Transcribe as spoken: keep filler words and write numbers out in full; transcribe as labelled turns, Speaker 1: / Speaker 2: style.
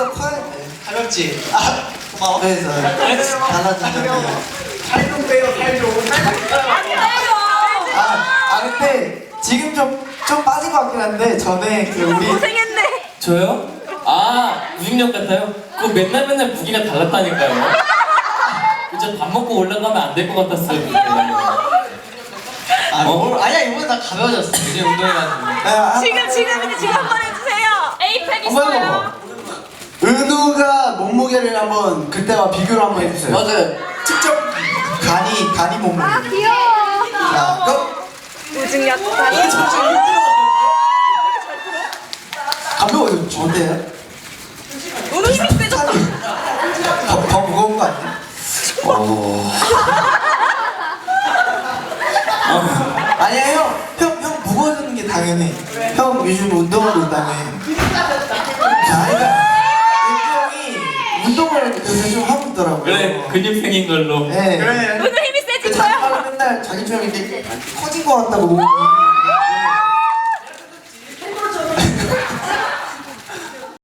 Speaker 1: 더 커야 돼.
Speaker 2: 가볍지? 아 고마워.
Speaker 1: 그래서 달라지잖아.
Speaker 2: 살좀 빼요 살 좀.
Speaker 1: 아, 아 근데 지금 좀 좀 빠진 것 같긴 한데 전에 그 우리
Speaker 3: 고생했네.
Speaker 4: 저요? 아, 무중력 같아요? 그거 맨날 맨날 무기가 달랐다니까요. 진짜 밥 먹고 올라가면 안 될 것 같았어요. 근데.
Speaker 2: 아 뭘? 아니야 이번에 다 가벼워졌어. 이제 운동해가지고.
Speaker 1: 아,
Speaker 3: 지금 지금 지금 한번 해주세요. 에이팩
Speaker 1: 한번 해봐. 은우가 몸무게를 한번 그때와 비교를 한번 해주세요.
Speaker 2: 맞아요.
Speaker 1: 직접 간이 간이 몸무게.
Speaker 3: 아 귀여워.
Speaker 1: 자, 고!
Speaker 3: 무중력 다리.
Speaker 1: 가벼워요. 어때요?
Speaker 3: 오늘 힘이 세졌다.
Speaker 1: 더, 더 무거운 거 아니야? 어. 아니야 형, 형, 형 무거워지는 게 당연해. 형 요즘 운동하고 있다며. 자, 그러니까 은경이 운동을 요새 좀 하고 있더라고요.
Speaker 4: 그래, 근육생인 걸로.
Speaker 1: 네.
Speaker 2: 그래.
Speaker 3: 오늘 힘이
Speaker 1: 그
Speaker 3: 세진
Speaker 1: 자기
Speaker 3: 거야.
Speaker 1: 말로 맨날 자기처럼 이렇게 커진 거 같다고.